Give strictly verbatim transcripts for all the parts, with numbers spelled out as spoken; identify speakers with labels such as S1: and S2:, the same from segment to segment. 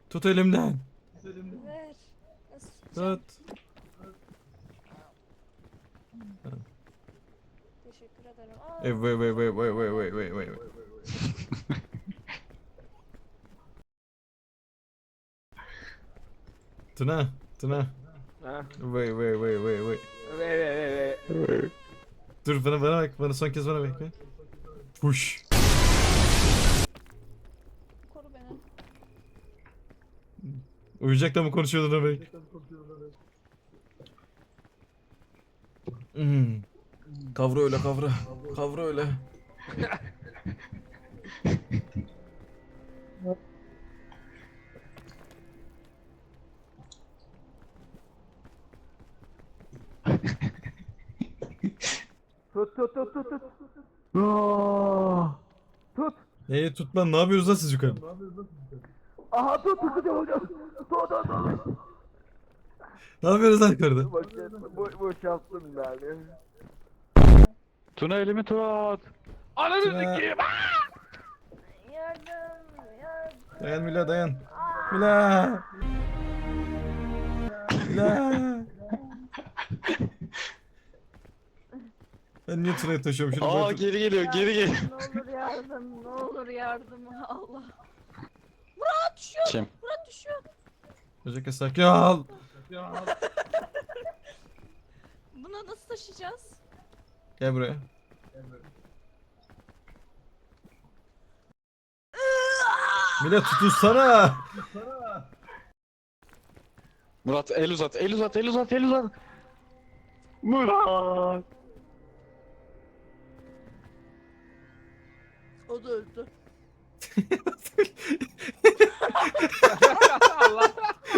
S1: Tut elimden.
S2: Ver. Nasıl tutacağım?
S1: Tut.
S2: Teşekkür ederim. Aa,
S1: Hey, wait, wait, wait, wait, wait, wait, wait, wait. Tuna, Tuna.
S3: Ha?
S1: Wait, wait, wait, wait, wait.
S3: Ve ve ve ve.
S1: Dur bana bana bak. Bana son kez bana bak. be. Push.
S2: koru beni.
S1: Uyuyacakla mı konuşuyordun öyle? Hmm. Kavra öyle kavra. Kavra öyle.
S3: Tut tut tut tut tut. Aa! Tut.
S1: Neyi tut lan? Ne yapıyorsunuz lan siz yukarı?
S3: Aha tut tut tut hocam. Tut tut tut.
S1: Ne yapıyorsunuz lan yukarıda?
S3: Bakın bu boşalttım yani.
S4: Tuna elimi tut. Ananı
S1: Tuna.
S4: sikeyim.
S2: Yardım. Yardım.
S1: Dayan Mila dayan. Mila. Mila. Ben niye Tuna'yı taşıyorum şunu
S4: Aa
S1: bırak.
S4: geri geliyor geri geliyor.
S2: Ne olur yardım. Ne olur yardım. Allah. Murat düşüyor.
S4: Kim?
S2: Murat düşüyor.
S1: Özellikle sakin ol.
S2: Bunu nasıl taşıyacağız?
S1: Gel buraya. Mila tutunsana.
S4: Murat el uzat el uzat el uzat el uzat. Murat.
S2: O da öldü.
S3: Allah.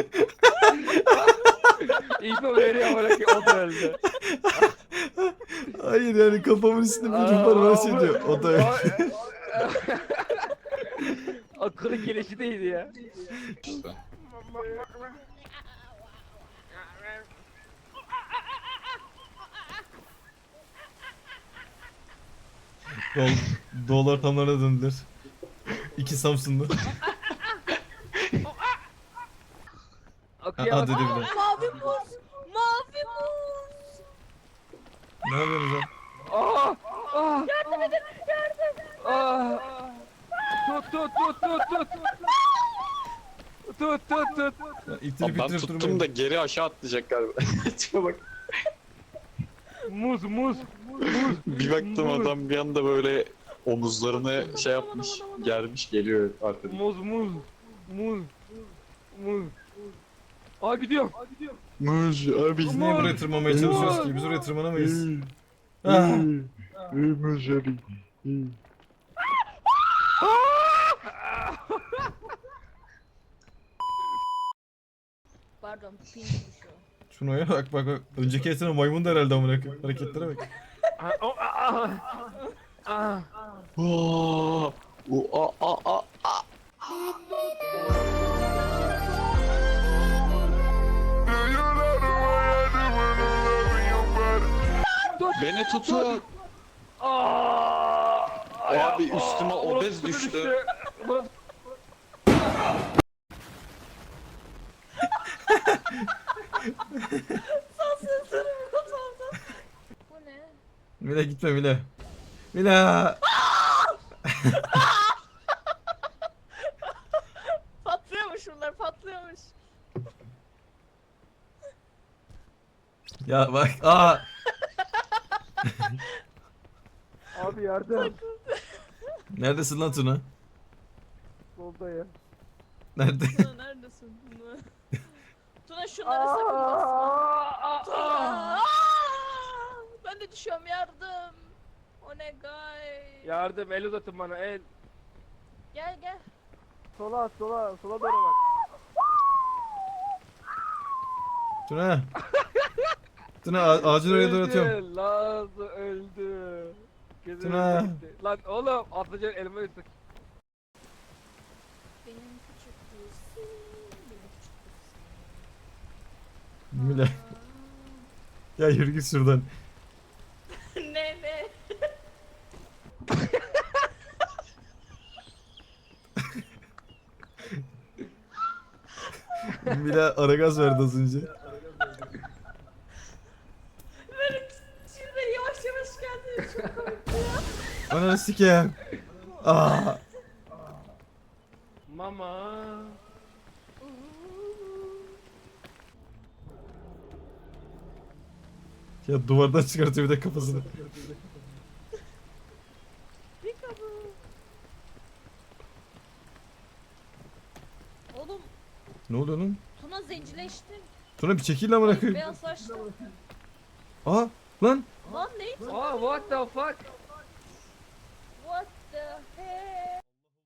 S3: İpo veriyor bana ki o da öldü.
S1: Hayır yani kafamın üstünde bir ruh var bana şey diyor. O da öyle.
S3: Akıllı gelişi değildi ya.
S4: İşte.
S1: Dol, dolar tamlarına döndüler. İki Samsunlu.
S3: Akıya
S1: Ha,
S3: bak.
S1: dedi bir de.
S2: Mavi muz. Mavi muz.
S1: Ne yapıyorsunuz lan?
S3: Aa! Aa! Yardım edin! Yardım! Aa! Tut tut tut tut tut! Tut tut tut!
S1: Ya, İttirip
S4: Abi ben
S1: ittirip
S4: tuttum
S1: durmayın.
S4: da geri aşağı atlayacak galiba. Tipe bak.
S3: Muz muz!
S4: Bir baktım adam bir anda böyle omuzlarını şey yapmış, germiş geliyor arkadan.
S3: Muz muz! Muz! Muz! Aa gidiyorum!
S4: Muz abi.
S1: Biz niye buraya tırmanmaya çalışıyoruz ki? Biz oraya tırmanamayız. Ah.
S4: Muz abi.
S2: Pardon, pin düşüyor.
S1: Şuna bak bak bak. Önceki esene maymun da herhalde amına koyayım. Hareketlere bak.
S3: Aa, o, aa, aa.
S4: Aa, o a a a. Beni tutun.
S3: Aa!
S4: Abi üstüme
S3: Aa,
S4: obez
S3: burası
S4: düştü.
S3: Burası-
S2: Sansızlarım kafamda. Bu ne?
S1: Mila gitme Mila. Mila.
S2: Patlıyormuş bunlar, patlıyormuş.
S1: Ya bak. Aa.
S3: Abi yardım.
S1: Neredesin lan Tuna?
S3: Solda ya.
S1: Nerede?
S2: Tuna neredesin? Tuna. Tuna şunlara sakın basma. Tuna. Aa! Ben de düşüyorum, yardım. O ne gay.
S3: Yardım el uzatın bana el.
S2: Gel gel.
S3: Sola sola sola doğru bak.
S1: Tuna. Tuna a- ağacın oraya doğru atıyorum.
S3: Öldü, Laz öldü. Gözüm
S1: Tuna.
S3: gitti. Lan oğlum atacaksın elime üstte.
S2: Benim küçük Lucy. Benim küçük
S1: Mila.
S2: Lucy.
S1: Ya yürü git şuradan.
S2: Ne ne?
S1: Mila ara gaz verdi az önce.
S2: Böyle şurada yavaş yavaş geldi. Çok komikti ya.
S1: Ananı sikeyim. Aa.
S3: Mama.
S1: Ya duvardan çıkartıyor bir de kafasını.
S2: Peekaboo. Oğlum
S1: Ne oluyor lan?
S2: Tuna zencileşti.
S1: Tuna bir çekil lan bırakayım.
S2: Beyazlaştı.
S1: Aa lan.
S2: Lan ne?
S3: Oh, what the fuck?
S2: What the heck?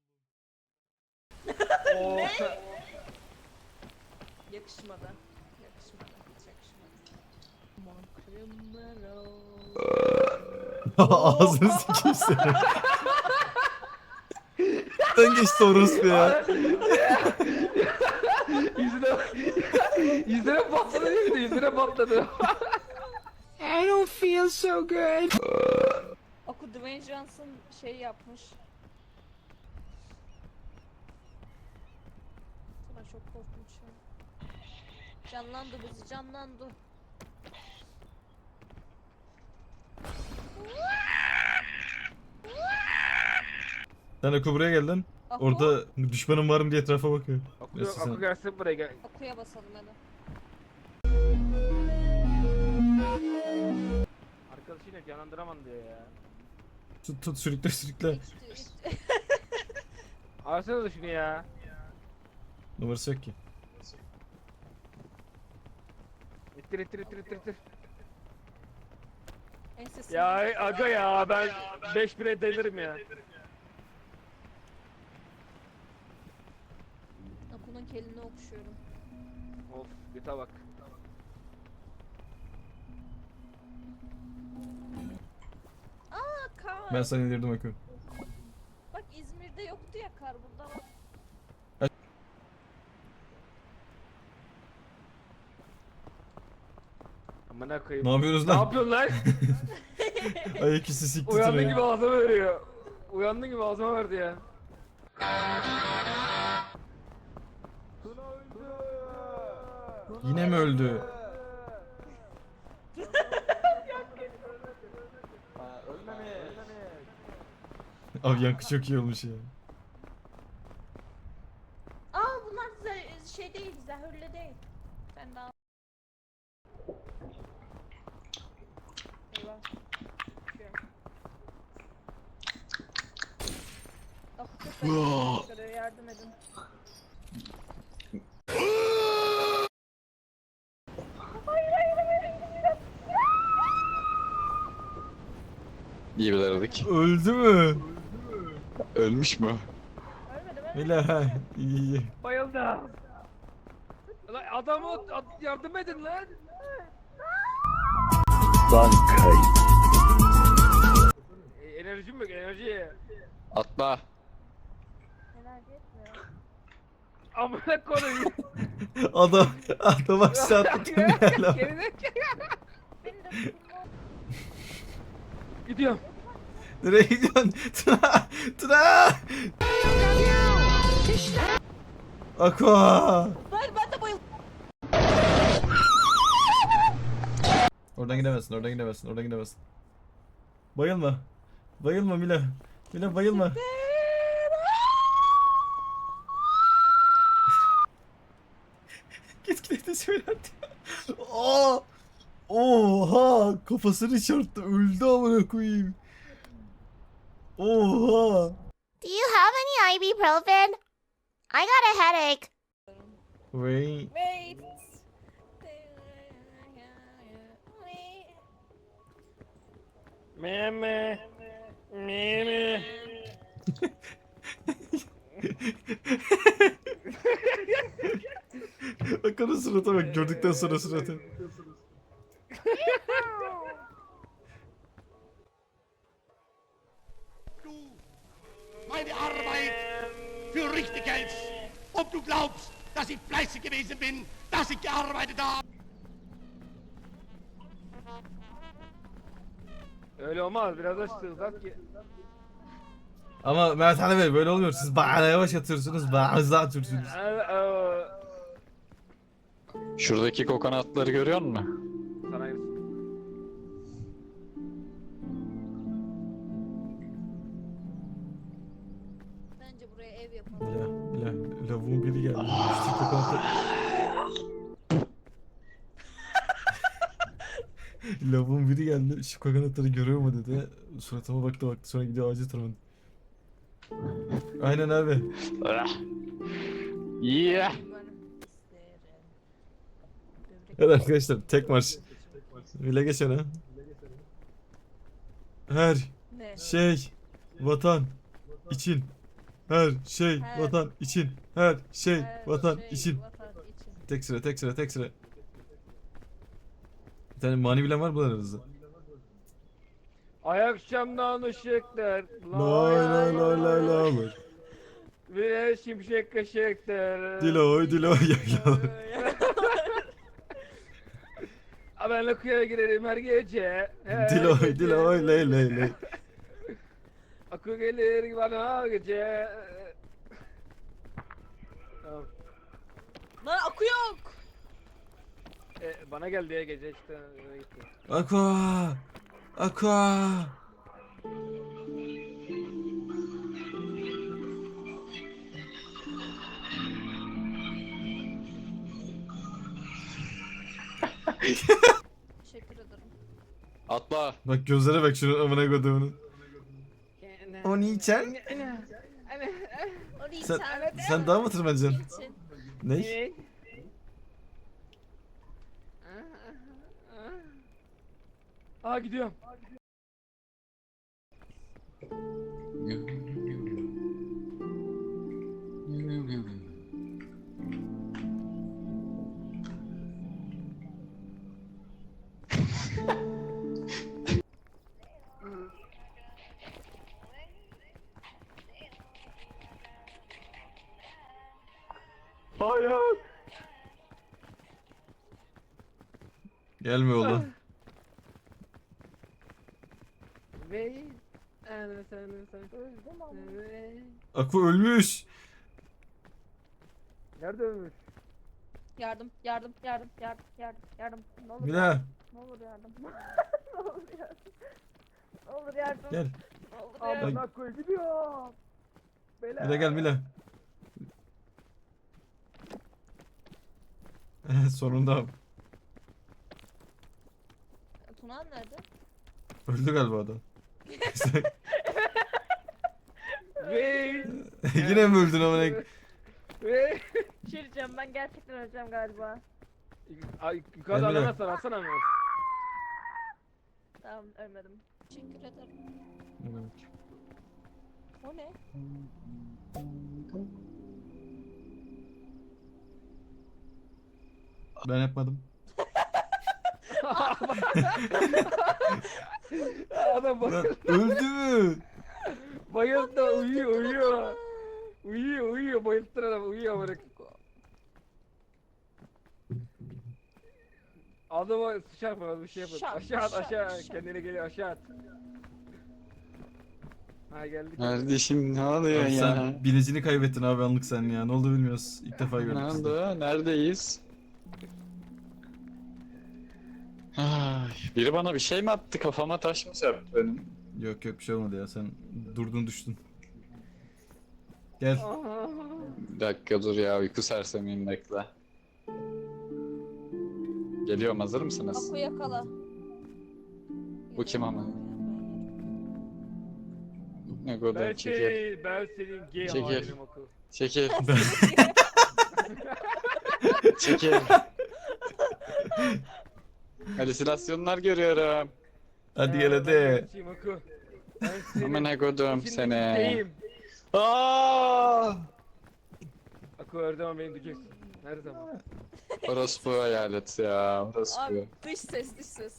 S3: Oh.
S2: Yakışmadı. Yakışmadı. Hiç yakışmadı. Aman criminal.
S1: Ağzını sikeyim seni. Sen geçti orospu ya.
S3: yüzüne yüzüne patladı değil mi? Yüzüne patladı. I don't feel so good.
S2: Oku Dwayne Johnson şey yapmış. Sana çok korkunç ya. Canlandı bizi canlandı.
S1: Sen Aku buraya gel lan.
S2: Aku,
S1: Orada düşmanım var mı diye etrafa bakıyor.
S3: Akı,
S1: Neyse sen-
S3: akı gelsin buraya gel.
S2: Aku'ya basalım hadi.
S3: Arkadaşıyla canlandıramam diyor ya.
S1: Tut tut sürükle sürükle.
S2: İçti, içti.
S3: Arsana da şunu ya.
S1: Numarası yok ki.
S3: İttir ittir ittir ittir ittir.
S2: Ensesini-
S3: Ya aga ya ben beş bire delirim ya.
S2: Aku'nun kelini okşuyorum.
S3: Of göte bak.
S2: Aa kar.
S1: Ben sana indirdim Aku.
S2: Bak İzmir'de yoktu ya kar, burada var.
S3: Amına koyayım.
S1: Ne yapıyorsunuz
S3: Ne
S1: lan?
S3: yapıyorsun lan?
S1: Ayak üstü sikti
S3: Uyandığın
S1: Tuna'yı.
S3: gibi ağzıma veriyor. Uyandığın gibi ağzıma verdi ya.
S1: Yine mi öldü? Abi yankı çok iyi olmuş ya.
S2: Aa bunlar ze- şey değil, zehirli değil. Ben daha... Eyvah. Düşüyorum. Ah, çok acı çıkarıyor, yardım edin.
S4: İyi bilerdik.
S1: Öldü mü?
S4: Ölmüş mü?
S2: Ölmedim ölmedim.
S1: Mila iyi iyi.
S3: Bayıldı. Lan adamı ad- yardım edin lan. E, enerjim yok enerji.
S4: Atla.
S2: Enerji etmiyor.
S3: Amına koyayım.
S1: Adam adam aşağı attı Tuna'yla.
S3: Geride
S2: Beni de tutun.
S3: gidiyorum.
S1: Nereye gidiyorsun? Tuna! Tuna! Aqua!
S2: Hayır ben de bayıldım.
S1: Oradan gidemezsin, oradan gidemezsin, oradan gidemezsin. Bayılma. Bayılma Mila. Mila bayılma. Git git de söyle hadi. Aa! Oha! Kafasını çarptı. Öldü amına koyayım. Oha!
S5: Do you have any ibuprofen? I got a headache.
S1: Wait.
S2: Wait.
S3: Meme. Meme.
S1: Bak onun surata bak. Gördükten sonra suratı.
S6: Meine Arbeit für richtig hältst. Ob du glaubst, dass ich fleißig gewesen bin, dass ich gearbeitet habe.
S3: Öyle olmaz biraz da sığsak ki.
S1: Ama Mehmet Ali Bey böyle olmuyor. Siz bayağı yavaş atıyorsunuz, bayağı hızlı atıyorsunuz.
S3: Ee, e,
S4: Şuradaki kokonatları görüyor musun?
S3: Sana aynısı.
S2: Bence buraya ev yapalım.
S1: Mila, Mila, lavuğun biri geldi. Şu kokonatı... Lavuğun biri geldi. Şu kokonatları görüyor mu dedi. Suratıma baktı baktı. Sonra gidiyor ağaca tırmandı. Aynen abi.
S4: Yeah.
S1: Evet arkadaşlar tek marş. Öyle geç ona. Her
S2: Ne?
S1: şey vatan için. Her şey
S2: Her-
S1: vatan için. Her şey
S2: Her
S1: vatan
S2: şey
S1: için.
S2: vatan için.
S1: Tek sıra tek sıra tek sıra. Bir tane mani bilen var mı aranızda?
S3: Ay akşamdan ışıklar.
S1: Lay lay lay lay lay.
S3: Ve şimşek kaşıktır.
S1: Diloy diloy yaylalar.
S3: Ha, ben Lakuya'ya girerim her gece. Her
S1: Diloy
S3: gece.
S1: diloy ley ley ley.
S3: Akı gelir bana gece. Tamam.
S2: Lan akü yok.
S3: E, bana geldi ya gece işte. öyle gitti.
S1: Aqua. Aqua.
S2: Teşekkür ederim.
S4: Atla.
S1: Bak gözlere bak şunun amına koduğunun. O niçen?
S2: O değil
S1: Sen,
S2: sen.
S1: sen daha mı tırmanacaksın?
S2: için.
S1: Ne?
S3: Ne? Aa gidiyorum.
S4: Hayır.
S1: Gelme oğlum.
S3: Ve ana sana sana. Ve-
S1: Aqua ölmüş.
S3: Nerede ölmüş?
S2: Yardım, yardım, yardım, yardım, yardım, yardım. Ne olur
S1: Mila
S2: yardım, ne olur yardım. Ne olur yardım. Ne olur yardım.
S1: gel.
S2: Ne olur yardım.
S3: Amına koy gidiyorum. Beyler.
S1: Mila gel Mila. Sonunda
S2: Tunan nerede?
S1: öldü galiba adam.
S3: Ve
S1: Yine mi öldün amına?
S3: ve
S2: Bir şey diyeceğim, ben gerçekten öleceğim galiba.
S3: Ay yukarıda
S1: Emre.
S3: alamazsan alsana mı?
S2: Tamam, ölmedim. Teşekkür ederim. O ne?
S1: Ben yapmadım.
S3: Adam
S1: Lan
S3: bayıldı.
S1: öldü mü?
S3: Bayıldı uyuyor uyuyor. Uyuyor uyuyor bayılttın adam uyuyor amına. Adama sıçar falan bir şey yapın.
S2: Şak,
S3: Aşağı at
S2: şak,
S3: aşağı
S2: şak.
S3: kendine geliyor aşağı at. Ha geldik.
S4: Kardeşim ne oluyor
S1: Abi
S4: ya?
S1: sen bilicini kaybettin abi anlık sen ya. Ne oldu bilmiyoruz. İlk defa
S4: Ne
S1: gördük sizi.
S4: oldu? Neredeyiz? Ay, biri bana bir şey mi attı? Kafama taş mı serpti benim?
S1: Yok yok bir şey olmadı ya. Sen durdun düştün. Gel.
S3: Aa.
S4: Bir dakika dur ya, uyku sersemiyim, bekle. Geliyorum, hazır mısınız?
S2: Akü yakala.
S4: Bu kim ama? Ne kadar
S3: Ben
S4: çekil.
S3: şey, ben senin gay
S4: Çekil.
S3: halinim akıl.
S4: Çekil. Çekil. Halüsinasyonlar görüyorum.
S1: Hadi gel
S3: Ben
S1: hadi.
S3: gerçeğim akıl. Ben senin
S4: Aman ne kodum
S3: senin
S4: seni.
S3: isteğim.
S4: Aaaa!
S3: Akıl her zaman beni diyeceksin. Her zaman.
S4: Orospu hayalet ya, orospu.
S2: Abi dış ses, dış ses.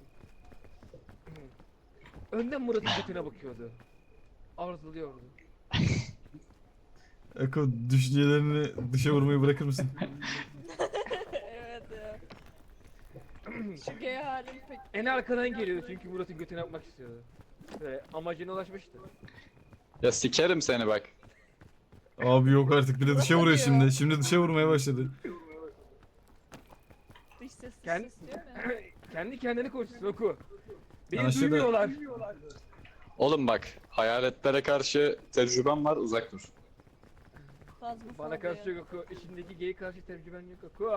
S3: Önden Murat'ın götüne bakıyordu. Arzuluyordu.
S1: Eko düşüncelerini dışa vurmayı bırakır mısın?
S2: Evet ya. Şu gay halim pek.
S3: En arkadan geliyordu çünkü Murat'ın götüne yapmak istiyordu. Ve amacına ulaşmıştı.
S4: Ya sikerim seni bak.
S1: Abi yok artık bir de dışa vuruyor
S2: Ya.
S1: şimdi. Şimdi dışa vurmaya başladı.
S2: Sessiz
S3: Kendi-
S2: ses diyorum ya.
S3: Kendi kendini konuşsun oku. Beni
S1: Ana şurada-
S3: duymuyorlar.
S4: Oğlum bak, hayaletlere karşı tecrübem var, uzak dur.
S2: Fazla
S3: Bana karşı yok oku. İçindeki geyi karşı tecrüben yok oku.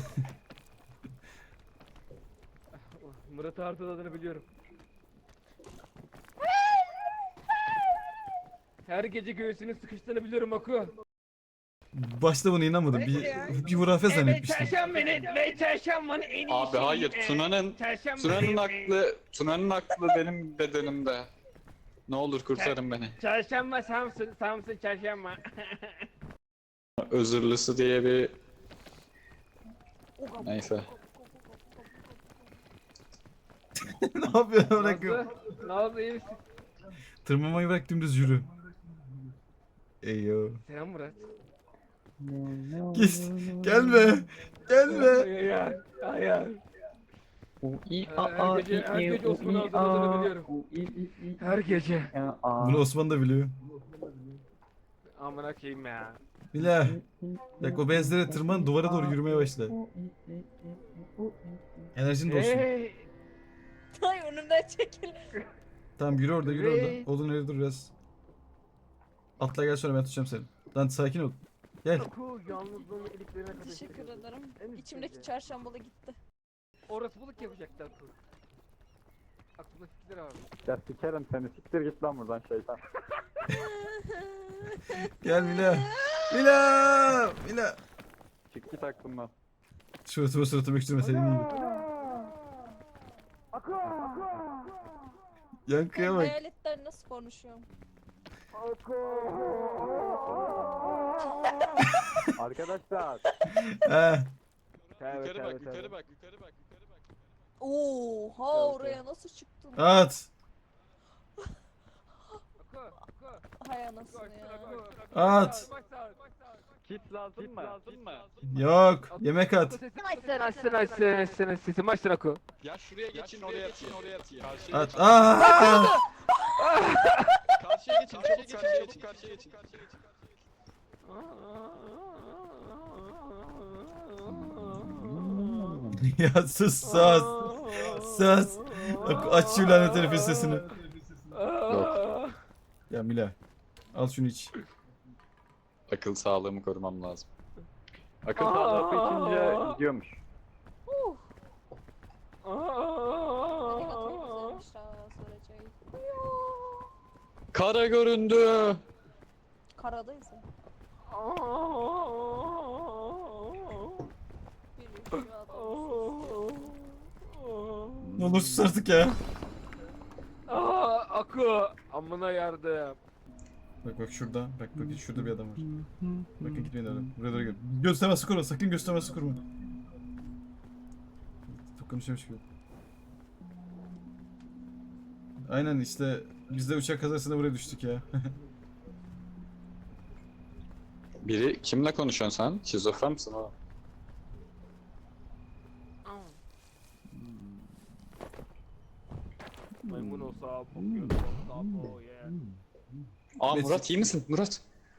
S3: Murat Art'ın adını biliyorum. Her gece göğsünün sıkıştığını biliyorum oku.
S1: Başta buna inanmadım. Bir, bir hurafe zannetmiştim.
S3: çarşambanın ve çarşambanın en iyi
S4: Abi
S3: şeyi,
S4: hayır,
S3: e,
S4: Tuna'nın
S3: çarşamba-
S4: Tuna'nın aklı, Tuna'nın aklı benim bedenimde. Ne olur kurtarın beni.
S3: Çarşamba Samsun, Samsun çarşamba.
S4: Özürlüsü diye bir... Neyse.
S1: Ne yapıyorsun bırakıyorum.
S3: Nazlı, Nazlı iyi misin?
S1: Tırmanmayı bırak dümdüz yürü. Eyo.
S3: Selam Murat.
S1: Git. Gelme. Gelme.
S3: Hayır, hayır. Her gece, her gece Osman Ağzı'nın adını biliyorum. Her gece.
S1: Bunu Osman da biliyor.
S3: Amına koyayım ya.
S1: Bila. Bak o benzere tırman duvara doğru yürümeye başla. Enerjin dolsun.
S3: Hey.
S2: Ay önümden çekil.
S1: Tamam yürü orada yürü
S3: Hey.
S1: orada. Odun nerede dur biraz. Atla gel sonra ben tutacağım seni. Lan sakin ol. Gel.
S3: Oku yalnızlığını iliklerine kadar.
S2: Teşekkür
S3: hissediyorum.
S2: ederim.
S3: En üst
S2: İçimdeki
S3: derece.
S2: çarşambalı gitti.
S3: Orası buluk yapacaklar Oku. Aklımda fikirler var.
S7: Ya sikerim seni, siktir git lan buradan şeytan.
S1: Gel Mila. Mila. Mila.
S7: Çık git aklımdan.
S1: Suratıma suratıma öksürme senin gibi. Yankıya bak.
S2: Hayaletler nasıl konuşuyor?
S7: Arkadaşlar.
S1: He.
S3: Tövbe,
S4: Yukarı
S3: tövbe,
S4: bak,
S3: tövbe.
S4: yukarı bak, yukarı bak, yukarı bak.
S2: Oha oraya nasıl çıktın?
S1: At.
S3: Oku, oku.
S2: Hay anasını ya.
S1: At.
S7: Kit lazım mı?
S4: Lazım mı?
S1: Yok. Yemek at.
S3: Açsın açsın açsın açsın sesimi açsın Oku.
S4: Ya şuraya geçin, oraya atayım, oraya atayım. Karşıya
S1: At.
S4: geçin.
S1: Aa!
S4: Karşıya geçin, çabuk karşıya geçin, karşıya geçin.
S1: Ya sus sus. Sus. Aç şu lanet herifin sesini. Ya Mila. Al şunu iç.
S4: Akıl sağlığımı korumam lazım.
S7: Akıl sağlığı içince gidiyormuş.
S2: Hadi atayım güzelmiş daha süreceği.
S4: Kara göründü.
S2: Karadayız ya. Bir üşüyor adam.
S1: Ne olur sus artık ya.
S3: Aa, Aku amına yardım.
S1: Bak bak şurada. Bak bak şurada bir adam var. Bakın gitmeyin öyle. Buraya doğru gel. Göstermesi kurma. Sakın göstermesi kurma. Çok konuşuyormuş gibi. Aynen işte biz de uçak kazasında buraya düştük ya.
S4: Biri kimle konuşuyorsun sen? Şizofren misin o?
S3: Maymun olsa bakıyordu. Oh yeah.
S4: Aa
S1: Mes-
S4: Murat iyi misin? Murat.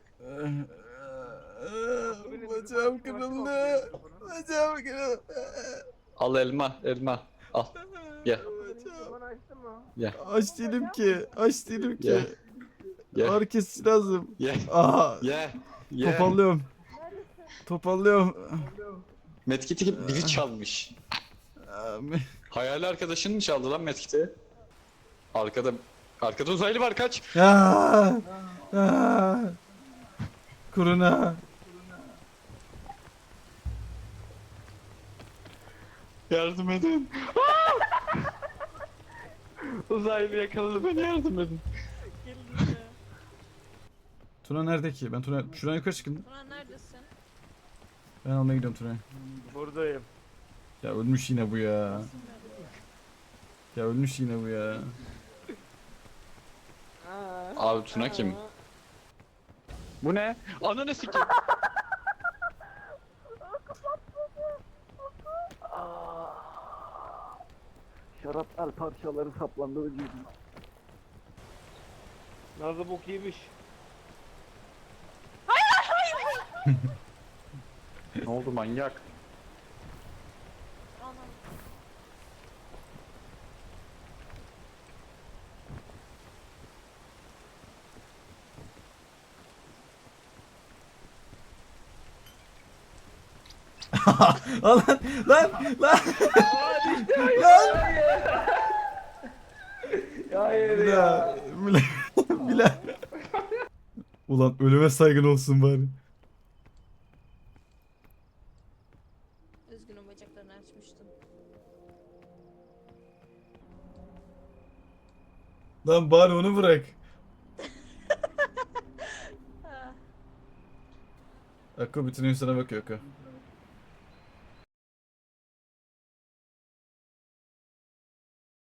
S1: Bacağım kırıldı. Bacağım kırıldı.
S4: Al elma, elma. Al. Ye,
S3: Bana açtın mı?
S4: ye,
S1: Aç değilim ki. Aç değilim ki.
S4: ye. Ye,
S1: Ağrı kesici lazım.
S4: ye,
S1: Aha.
S4: ye. Ye.
S1: Topallıyorum. Topallıyorum.
S4: Medkit'i gibi biri çalmış.
S1: Aa,
S4: Hayali arkadaşın mı çaldı lan Medkit'i? Arkada, arkada uzaylı var, kaç.
S1: Aa, aa. Kuruna.
S4: Yardım edin. Uzaylı yakaladı beni, yardım edin.
S1: Tuna nerede ki? Ben Tuna şuradan yukarı çıkın.
S2: Tuna neredesin?
S1: Ben almaya gidiyorum Tuna'yı.
S3: Buradayım.
S1: Ya ölmüş yine bu ya. Ya ölmüş yine bu ya.
S4: Abi Tuna kim?
S7: Bu ne?
S4: Ananı sikeyim.
S7: Şaraplar parçaları saplandı vücuduma.
S3: Nazlı bok yemiş.
S7: Ne oldu manyak?
S2: Anam
S1: Lan lan lan. Lan.
S3: Hayır
S1: Mila.
S3: ya.
S1: Mila. Mila. Ulan ölüme saygın olsun bari.
S2: Üzgünüm, bacaklarını açmıştım.
S1: Lan bari onu bırak.
S2: Ah.
S1: Akko bütün gün sana bakıyor Akko.